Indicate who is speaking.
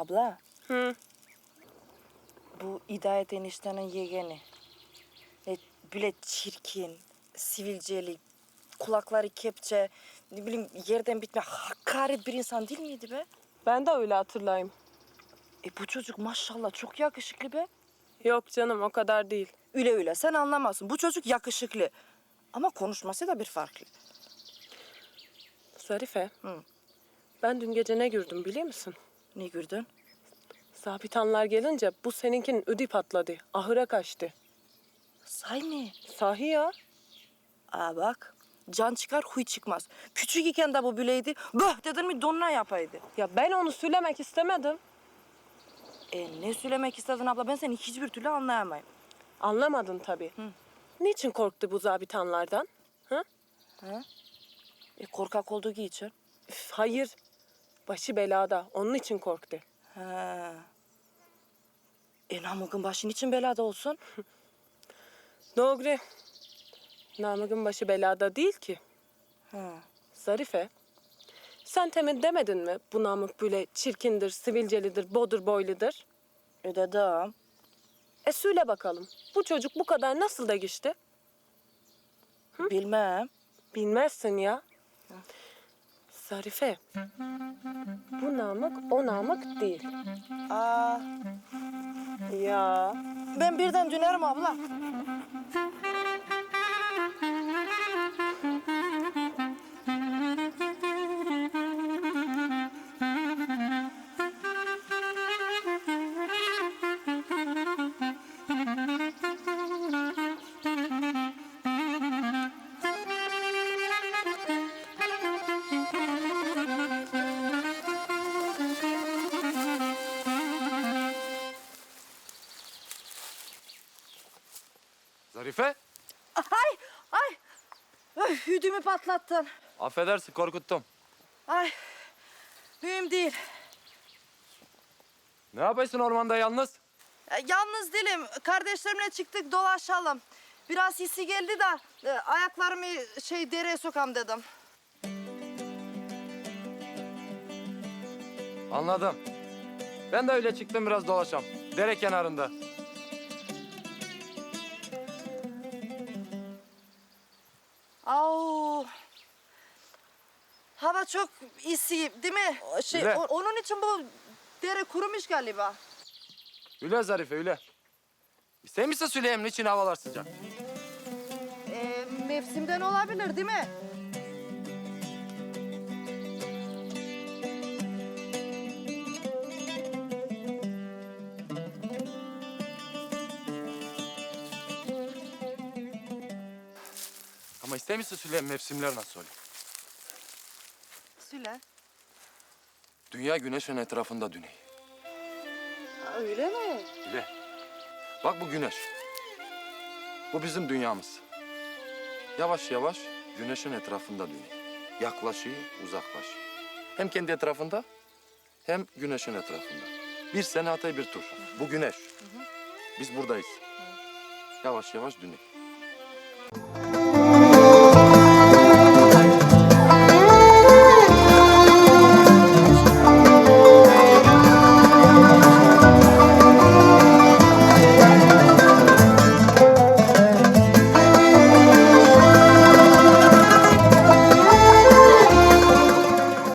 Speaker 1: Abla,
Speaker 2: Hı.
Speaker 1: bu Hidayet eniştenin yeğeni. Böyle çirkin, sivilceli, kulakları kepçe, ne bileyim yerden bitme hakaret bir insan değil miydi be?
Speaker 2: Ben de öyle hatırlayayım.
Speaker 1: Bu çocuk maşallah çok yakışıklı be.
Speaker 2: Yok canım o kadar değil.
Speaker 1: Öyle sen anlamazsın. Bu çocuk yakışıklı. Ama konuşması da bir farklı.
Speaker 2: Zarife.
Speaker 1: Hı.
Speaker 2: Ben dün gece ne gördüm biliyor musun?
Speaker 1: Ne gördün?
Speaker 2: Zabitanlar gelince bu seninkinin ödü patladı. Ahıra kaçtı.
Speaker 1: Say mı?
Speaker 2: Sahi ya.
Speaker 1: Bak. Can çıkar huy çıkmaz. Küçük iken de bu böyleydi. Böh dedin mi donuna yapaydı.
Speaker 2: Ya ben onu söylemek istemedim.
Speaker 1: Ne söylemek istedin abla? Ben seni hiçbir türlü anlayamayım.
Speaker 2: Anlamadın tabii.
Speaker 1: Hı.
Speaker 2: Niçin korktu bu zabitanlardan? Hı?
Speaker 1: Korkak olduğu için.
Speaker 2: Üf, hayır. Başı belada. Onun için korktu.
Speaker 1: He. Namık'ın başın için belada olsun.
Speaker 2: Doğru. Namık'ın başı belada değil ki.
Speaker 1: He.
Speaker 2: Zarife. Sen temin demedin mi bu Namık böyle çirkindir, sivilcelidir, bodur boyludur?
Speaker 1: Dedim.
Speaker 2: Söyle bakalım. Bu çocuk bu kadar nasıl da geçti?
Speaker 1: Bilmem.
Speaker 2: Bilmezsin ya. Zarife. Bu Namık o Namık değil.
Speaker 1: Aa,
Speaker 2: Ya.
Speaker 1: ben birden dönerim abla.
Speaker 3: Zarife,
Speaker 1: Ay. Hüdümü patlattın.
Speaker 3: affedersin korkuttum.
Speaker 1: Ay. Mühim değil.
Speaker 3: Ne yapıyorsun ormanda yalnız?
Speaker 1: Yalnız değilim. Kardeşlerimle çıktık dolaşalım. Biraz hissi geldi de ayaklarımı dereye sokam dedim.
Speaker 3: Anladım. Ben de öyle çıktım biraz dolaşam. Dere kenarında.
Speaker 1: Au. Hava çok isi değil mi?
Speaker 3: Öyle.
Speaker 1: Onun için bu dere kurumuş galiba.
Speaker 3: Öyle Zarife öyle. İster misin söyleyeyim niçin havalar sıcak?
Speaker 1: Mevsimden olabilir değil mi?
Speaker 3: Ama ister misin söyleyeyim mevsimler nasıl oluyor?
Speaker 1: Söyle.
Speaker 3: Dünya güneşin etrafında dönüyor.
Speaker 1: Öyle mi?
Speaker 3: Öyle. Bak bu güneş. Bu bizim dünyamız. Yavaş yavaş güneşin etrafında dönüyor. Yaklaşıyor, uzaklaşıyor. Hem kendi etrafında hem güneşin etrafında. Bir sene atay bir tur. Bu güneş. Biz buradayız. Yavaş yavaş dönüyor.